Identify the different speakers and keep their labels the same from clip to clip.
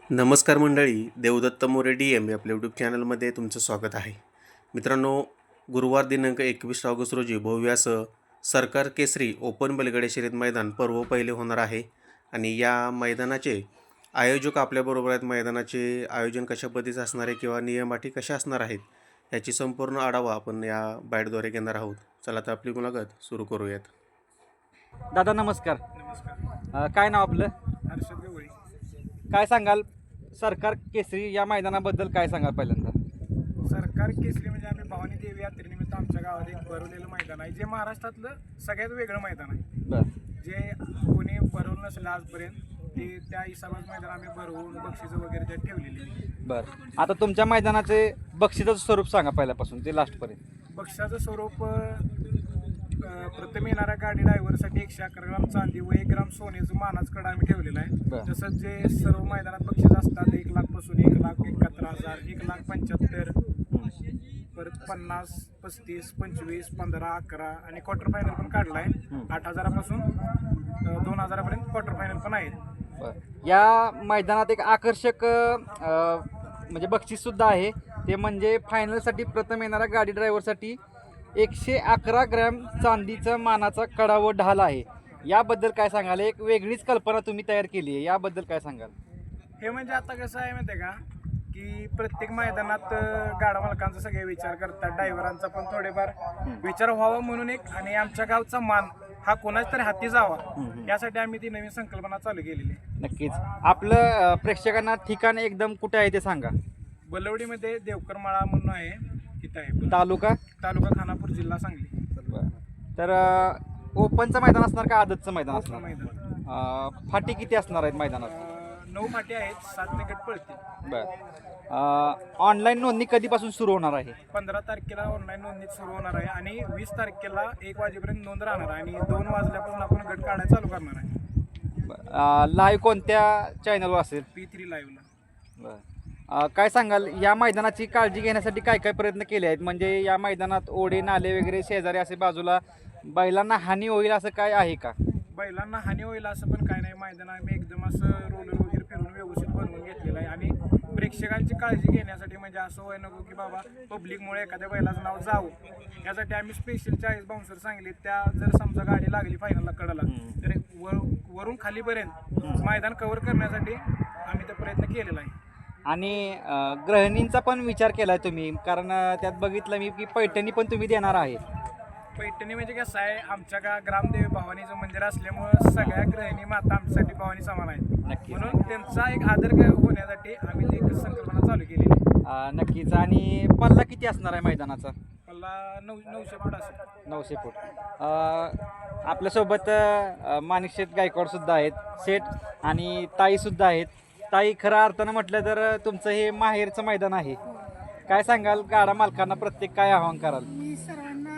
Speaker 1: नमस्कार मंडळी, देवदत्त मोरे DM आपल्या यूट्यूब चॅनलमध्ये तुमचं स्वागत आहे. मित्रांनो, गुरुवार दिनांक 21 ऑगस्ट रोजी भव्य असं सरकार केसरी ओपन बैलगाडी शर्यत मैदान पर्व पहिले होणार आहे. आणि या मैदानाचे आयोजक आपल्याबरोबर आहेत. मैदानाचे आयोजन कशा पद्धतीचं असणार आहे किंवा नियम अटी कशा असणार आहेत याची संपूर्ण आढावा आपण या बाईटद्वारे घेणार आहोत. चला तर आपली मुलाखत सुरू करूयात.
Speaker 2: दादा नमस्कार.
Speaker 3: नमस्कार.
Speaker 2: काय नाव आपलं?
Speaker 3: हर्षद गवळी.
Speaker 2: काय सांगाल सरकार केसरी या मैदानाबद्दल काय सांगाल पहिल्यांदा?
Speaker 3: सरकार केसरी म्हणजे आम्ही भवानी देवी यात्रेनिमित्त आमच्या गावात एक भरवलेलं मैदान आहे, जे महाराष्ट्रातलं सगळ्यात वेगळं मैदान आहे.
Speaker 2: बरं.
Speaker 3: जे कोणी भरवलं नसेल आजपर्यंत ते त्या हिसाबात मैदान आम्ही भरवून बक्षिसं वगैरे त्यात ठेवलेली.
Speaker 2: बरं, आता तुमच्या मैदानाचे बक्षिसाचं स्वरूप सांगा पहिल्यापासून ते लास्टपर्यंत.
Speaker 3: बक्षिसाचं स्वरूप प्रथम येणाऱ्या गाडी ड्रायव्हरसाठी 111 ग्राम चांदी व 1 ग्राम सोन्याचं मानाचं कडा आम्ही ठेवलेला आहे.
Speaker 2: बरं.
Speaker 3: तसंच जे सर्व मैदानात बक्षीस असतात 1 लाख पासून 1,71,000, 1,75,000, परत 50, 35, 25, 15, 11 आणि क्वार्टर फायनल पण काढला आहे. 8,000पासून 2,000पर्यंत क्वार्टर फायनल पण आहेत.
Speaker 2: बरं, या मैदानात एक आकर्षक म्हणजे बक्षीससुद्धा आहे. ते म्हणजे फायनलसाठी प्रथम येणाऱ्या गाडी ड्रायव्हरसाठी 111 ग्रॅम चांदीचा मानाचा कडा व ढाल आहे. याबद्दल काय सांगाल? एक वेगळीच कल्पना तुम्ही तयार केली आहे, याबद्दल काय सांगाल?
Speaker 3: हे म्हणजे आता कसं आहे माहिती आहे का, की प्रत्येक मैदानात गाडा मालकांचा सगळे विचार करतात, ड्रायव्हरांचा पण थोडेफार विचार व्हावा म्हणून एक, आणि आमच्या गावचा मान हा कोणाच तरी हाती जावा यासाठी आम्ही ती नवीन संकल्पना चालू केलेली आहे.
Speaker 2: नक्कीच. आपलं प्रेक्षकांना ठिकाण एकदम कुठे आहे ते सांगा.
Speaker 3: बलवडीमध्ये देवकरमाळा म्हणून आहे, तिथं आहे.
Speaker 2: तालुका
Speaker 3: खानापूर, जिल्हा सांगली.
Speaker 2: तर ओपनचं मैदान असणार का आदतचं मैदान
Speaker 3: ओपन
Speaker 2: असणार?
Speaker 3: मैदान.
Speaker 2: फाटी किती असणार आहेत मैदानात?
Speaker 3: 9 फाटी आहेत, 7 निकट पळतील.
Speaker 2: बरं. ऑनलाईन नोंदणी कधीपासून सुरू होणार आहे?
Speaker 3: 15 तारखेला ऑनलाईन नोंदणी सुरू होणार आहे आणि 20 तारखेला 1 वाजेपर्यंत नोंद राहणार आहे आणि 2 वाजल्यापासून आपण गट काढायला चालू करणार आहे.
Speaker 2: लाईव्ह कोणत्या चॅनलवर असेल?
Speaker 3: P3 लाईव्हला.
Speaker 2: बरं. काय सांगाल, या मैदानाची काळजी घेण्यासाठी काय काय प्रयत्न केले आहेत? म्हणजे या मैदानात ओढे नाले वगैरे शेजारी असे बाजूला बैलांना हानी होईल असं काय आहे का?
Speaker 3: बैलांना हानी होईल असं पण काय नाही. मैदान आम्ही एकदम असं रोलर वगैरे फिरून व्यवस्थित बनवून घेतलेलं आहे आणि प्रेक्षकांची काळजी घेण्यासाठी, म्हणजे असं व्हाय नको की बाबा पब्लिकमुळे एखाद्या बैलाचं नाव जावं, यासाठी आम्ही स्पेशल 40 बाउन्सर सांगले. त्या जर समजा गाडी लागली फायनलला कडला तर वरून खालीपर्यंत मैदान कव्हर करण्यासाठी आम्ही तो प्रयत्न केलेला आहे.
Speaker 2: आणि गृहिणींचा पण विचार केला आहे तुम्ही, कारण त्यात बघितलं मी की पैठणी पण तुम्ही देणार आहे.
Speaker 3: पैठणी म्हणजे कसं आहे, आमच्या ग्रामदेवी भवानीचं मंदिर असल्यामुळं सगळ्या गृहिणी माता आमच्यासाठी भवानी समान आहेत.
Speaker 2: नक्की.
Speaker 3: म्हणून त्यांचा एक आदर होण्यासाठी आम्ही ती एक संकल्पना चालू केलेली आहे.
Speaker 2: नक्कीच. आणि पल्ला किती असणार आहे मैदानाचा?
Speaker 3: मला 900 फूट असेल.
Speaker 2: 900 फूट. आपल्यासोबत माणिकशेठ गायकवाडसुद्धा आहेत, शेठ आणि ताईसुद्धा आहेत. ताई, खऱ्या अर्थानं म्हटलं तर तुमचं हे माहेरचं मैदान आहे. काय सांगाल गाडा मालकांना, प्रत्येक काय आवाहन कराल?
Speaker 4: मी सर्वांना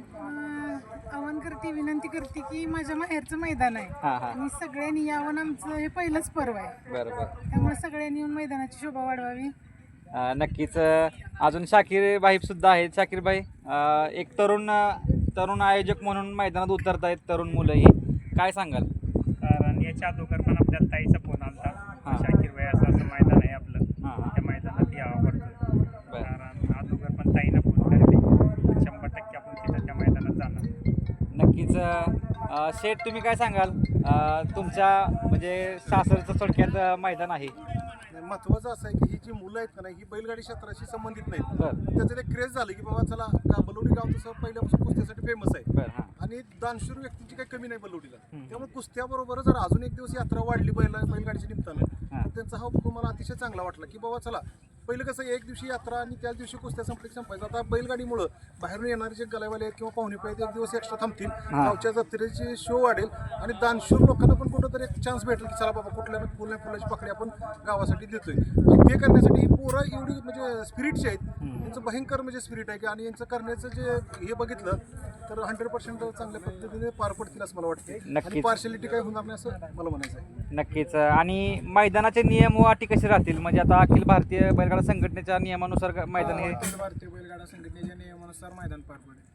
Speaker 4: आवाहन करते, विनंती करते की माझ्या माहेरचं मैदान आहे
Speaker 2: हां हां.
Speaker 4: आणि सगळ्यांनी यावं. आमचं हे पहिलंच पर्व आहे,
Speaker 2: बरं बरं.
Speaker 4: त्यामुळे सगळ्यांनी येऊन मैदानाची शोभा वाढवावी.
Speaker 2: नक्कीच. अजून शाकीर भाईसुद्धा आहेत. शाकीर भाई, एक तरुण आयोजक म्हणून मैदानात उतरत आहेत तरुण मुलंही, काय सांगाल?
Speaker 5: कारण याच्या अगोदर पण आपल्याला ताईचा फोन आला
Speaker 2: हां.
Speaker 5: शाकीर भाई असं मैदान आहे आपलं,
Speaker 2: हां.
Speaker 5: त्या मैदानात यावं पडतं. कारण अगोदर पण ताईनं फोन करते, 100% आपण तिथं त्या मैदानात जाणार.
Speaker 2: नक्कीच. शेठ, तुम्ही काय सांगाल? तुमच्या म्हणजे सासरचं थोडक्यात मैदान आहे.
Speaker 6: महत्त्वाचं असं आहे की ही जी मुलं आहेत का नाही, ही बैलगाडी क्षेत्राशी संबंधित नाहीत.
Speaker 2: बरं
Speaker 6: त्याचं एक क्रेज झालं की बाबा चला, बलवडी गाव तसं पहिल्यापासून कुस्त्यासाठी फेमस आहे
Speaker 2: बरं. हां.
Speaker 6: आणि दानशूर व्यक्तींची काही कमी नाही बलवडीला. त्यामुळे कुस्त्याबरोबर जर अजून एक दिवस यात्रा वाढली बैलगाडीच्या निमित्तानं, तर त्यांचा हा उपक्रम मला अतिशय चांगला वाटला की बाबा चला, पहिलं कसं एक दिवशी यात्रा आणि त्याच दिवशी कुस्त्या संपायचं. आता बैलगाडीमुळं बाहेरून येणारे जे गलावाले आहेत किंवा पाहुणे आहेत एक दिवस एक्स्ट्रा थांबतील, गावच्या जत्रेची शो वाढेल आणि दानशूर लोकांना पण कुठंतरी एक चान्स भेटेल की चला बाबा, कुठल्या फुलाची पाकळी आपण गावासाठी देतोय. आणि ते करण्यासाठी ही पोरं एवढी म्हणजे स्पिरिटची आहेत, यांचं भयंकर म्हणजे स्पिरिट आहे की, आणि यांचं करण्याचं जे हे बघितलं तर 100% चांगल्या पद्धतीने पार पडतील असं मला वाटते. आणि
Speaker 2: नक्कीच.
Speaker 6: पार्शलिटी काही होणार नाही असं मला म्हणायचं आहे.
Speaker 2: नक्कीच. आणि मैदानाचे नियम व अटी कसे राहतील? म्हणजे आता अखिल भारतीय बैलगाडा संघटनेच्या नियमानुसार मैदान हे.
Speaker 3: अखिल भारतीय बैलगाडा संघटनेच्या नियमानुसार मैदान पार पडेल.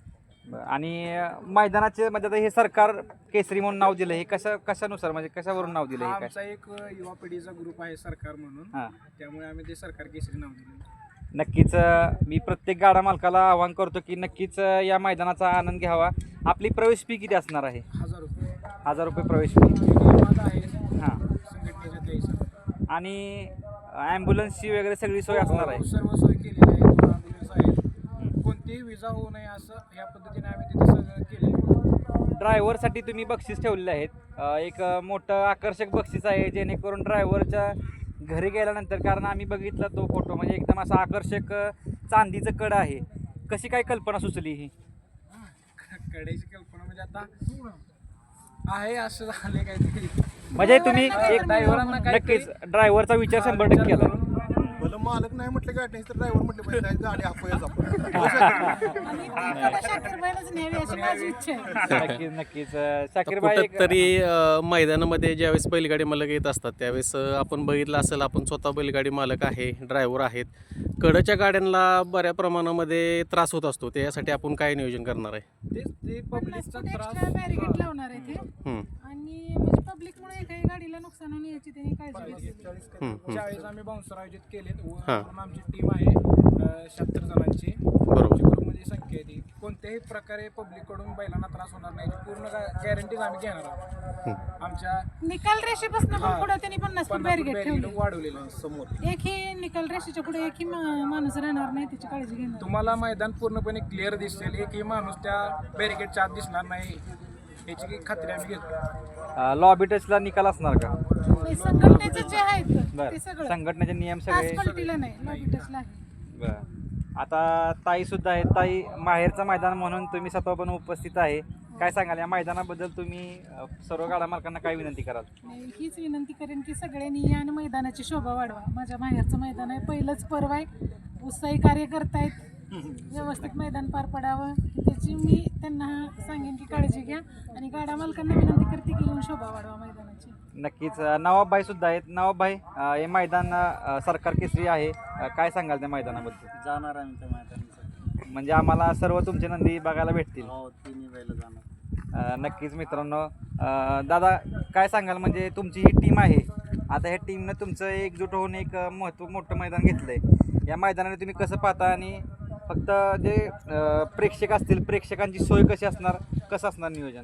Speaker 2: आणि मैदानाचे म्हणजे आता हे सरकार केसरी म्हणून नाव दिलं, हे कशानुसार म्हणजे कशावरून नाव दिलं
Speaker 3: हा
Speaker 2: हे काय?
Speaker 3: आमचा एक युवा पिढीचा ग्रुप आहे सरकार म्हणून,
Speaker 2: हां,
Speaker 3: त्यामुळे आम्ही ते सरकार केसरी नाव दिलं.
Speaker 2: नक्कीच मी प्रत्येक गाडा मालकाला आवाहन करतो की नक्कीच या मैदानाचा आनंद घ्यावा. आपली प्रवेश फी किती असणार आहे?
Speaker 3: 1000 रुपये
Speaker 2: 1000 प्रवेश फी.
Speaker 3: नियमात आहे
Speaker 2: हां,
Speaker 3: संघटनेच्या त्या हिशोबाने.
Speaker 2: आणि ॲम्ब्युलन्सची वगैरे सगळी सोय असणार आहे.
Speaker 3: सर्व सोय केलेली आहे, 2 ॲम्ब्युलन्स आहेत, कोणतीही विजा होऊ नये असं या पद्धतीने आम्ही तिथे सगळं केलेलं आहे.
Speaker 2: ड्रायव्हरसाठी तुम्ही बक्षीस ठेवलेले आहेत. एक मोठं आकर्षक बक्षीस आहे जेणेकरून ड्रायव्हरच्या घरी गेल्यानंतर, कारण आम्ही बघितला तो फोटो, म्हणजे एकदम असं आकर्षक चांदीचं कड आहे. कशी काय कल्पना सुचली ही?
Speaker 3: कड्याची कल्पना म्हणजे आता आहे असं झाले काहीतरी.
Speaker 2: म्हणजे तुम्ही एक
Speaker 3: ड्रायव्हरांना काहीतरी
Speaker 2: नक्कीच ड्रायव्हरचा विचार 100% केला.
Speaker 6: भलं मालक नाही म्हटलं गाडी नाही तर ड्रायव्हर म्हटलं पाहिजे नाही, गाडी अपयच आपण.
Speaker 4: आणि ती कला शाकीरबाईलाच न्यावी अशी माझी इच्छा आहे.
Speaker 2: नक्कीच नक्कीच शाकीरबाई एक-
Speaker 1: कुठंतरी मैदानामध्ये ज्यावेळेस बैलगाडी मालक येत असतात त्यावेळेस आपण बघितलं असेल, आपण स्वतः बैलगाडी मालक आहे, ड्रायव्हर आहेत, कडच्या गाड्यांना बऱ्या प्रमाणामध्ये त्रास होत असतो. त्यासाठी आपण काय नियोजन करणार आहे?
Speaker 3: ते
Speaker 4: 50
Speaker 3: पब्लिकचा
Speaker 4: फूट
Speaker 3: त्रास
Speaker 4: एक्स्ट्रा बॅरिकेड लावणार आहे ते.
Speaker 1: हं,
Speaker 4: आणि म्हणजे पब्लिकमुळे काही गाडीला नुकसान होणे याची त्यांनी काळजी घेतली.
Speaker 3: 40 आम्ही बाउन्सर आयोजित केलेत व
Speaker 1: हां.
Speaker 3: पूर्ण आमची टीम आहे 76 जणांची.
Speaker 1: बरोबर.
Speaker 3: आमची ग्रुपमध्ये संख्या आहे ती. कोणत्याही प्रकारे पब्लिककडून बैलांना त्रास होणार नाही याची पूर्ण गॅरंटीज आम्ही घेणार आहोत. आमच्या
Speaker 4: निकाल रेषेपासून पण पुढे त्यांनी 50 फूट बॅरिकेड
Speaker 3: बॅरिकेड
Speaker 4: ठेवली.
Speaker 3: वाढवलेलं आहे.
Speaker 6: समोर
Speaker 4: एकही निकाल रेषेच्या पुढे एकही माणूस राहणार नाही, त्याची काळजी घेणार.
Speaker 3: तुम्हाला मैदान पूर्णपणे क्लिअर दिसेल, एकही माणूस त्या बॅरिकेडच्या आत दिसणार नाही याची खात्री आम्ही घेतो.
Speaker 2: लॉबी टचला निकाल असणार का?
Speaker 4: नाही, संघटनेचे जे आहेत ते
Speaker 2: बरं,
Speaker 4: सगळं
Speaker 2: संघटनेचे नियम सगळे.
Speaker 4: आसफाल्टीला नाही, लॉबी टचला आहे.
Speaker 2: बरं. आता ताई सुद्धा आहेत. ताई, माहेरचं मैदान म्हणून तुम्ही स्वतः पण उपस्थित आहे, काय सांगाल या मैदानाबद्दल? तुम्ही सर्व गाडा मालकांना काय विनंती कराल?
Speaker 4: नाही, हीच विनंती करेन की सगळ्यांनी या आणि मैदानाची शोभा वाढवा. माझ्या माहेरचं मैदान आहे, पहिलंच पर्व आहे, उत्साही कार्य करतायत, व्यवस्थित मैदान पार पडावं त्याची मी त्यांना सांगेन की काळजी घ्या. आणि गाडा मालकांना विनंती करते की येऊन शोभा वाढवा मैदानाची.
Speaker 2: नक्कीच. नवाबभाई सुद्धा आहेत. नवाबभाई, हे मैदान सरकार केसरी आहे, काय सांगाल त्या मैदानाबद्दल?
Speaker 5: जाणार आहे त्या मैदानासाठी.
Speaker 2: म्हणजे आम्हाला सर्व तुमचे नंदी बघायला भेटतील.
Speaker 5: हो, तिन्ही बैल जाणार.
Speaker 2: नक्कीच मित्रांनो. दादा, काय सांगाल, म्हणजे तुमची ही टीम आहे, आता ह्या टीमनं तुमचं एकजूट होऊन एक मोठं मैदान घेतलं आहे, या मैदानाने तुम्ही कसं पाहता? आणि फक्त जे प्रेक्षक असतील, प्रेक्षकांची सोय कशी असणार, कसं असणार नियोजन?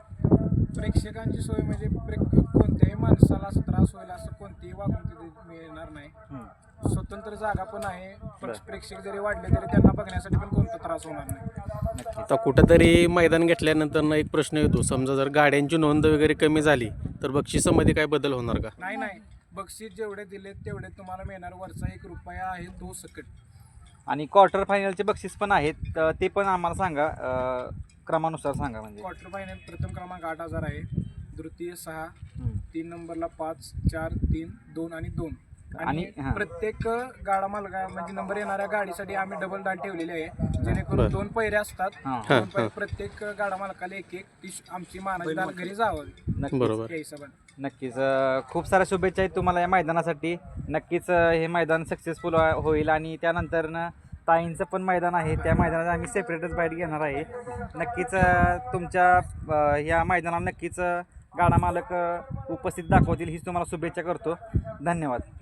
Speaker 3: प्रेक्षकांची सोय म्हणजे कोणत्याही माणसाला असं त्रास होईल असं कोणतीही वागणूक तिथे मिळणार नाही. स्वतंत्र जागा पण आहे, प्रेक्षक जरी वाढले तरी त्यांना बघण्यासाठी पण कोणता त्रास होणार नाही.
Speaker 1: आता कुठंतरी मैदान घेतल्यानंतर एक प्रश्न येतो, समजा जर गाड्यांची नोंद वगैरे कमी झाली तर बक्षिसामध्ये काय बदल होणार का?
Speaker 3: नाही, बक्षीस जेवढे दिले तेवढे तुम्हाला मिळणार. वरचा 1 रुपया आहे तो सकट.
Speaker 2: आणि क्वार्टर फायनलचे बक्षीस पण आहेत, तर ते पण आम्हाला सांगा, क्रमानुसार सांगा. म्हणजे
Speaker 3: क्वार्टर फायनल प्रथम क्रमांक 8000 आहे, द्वितीय 6, 3 नंबरला 5, 4, 3, 2 आणि 2. आणि
Speaker 2: हां.
Speaker 3: प्रत्येक गाडा मालका म्हणजे नंबर येणाऱ्या गाडीसाठी आम्ही डबल डाल ठेवलेली आहे, जेणेकरून 2 पैरे असतात.
Speaker 2: हां.
Speaker 3: 2 पैरे प्रत्येक गाडा मालकाला एक ती आमची मानाची डाल घरी जावं
Speaker 2: नक्कीच.
Speaker 1: बरोबर.
Speaker 3: या हिशोबाने.
Speaker 2: नक्कीच. खूप साऱ्या शुभेच्छा आहेत तुम्हाला या मैदानासाठी. नक्कीच हे मैदान सक्सेसफुल होईल. आणि त्यानंतर ताईंचं पण मैदान आहे, त्या मैदानात आम्ही सेपरेटच बाईट घेणार आहे. नक्कीच तुमच्या या मैदानाला नक्कीच गाडा मालक उपस्थित दाखवतील हीच तुम्हाला शुभेच्छा करतो. धन्यवाद.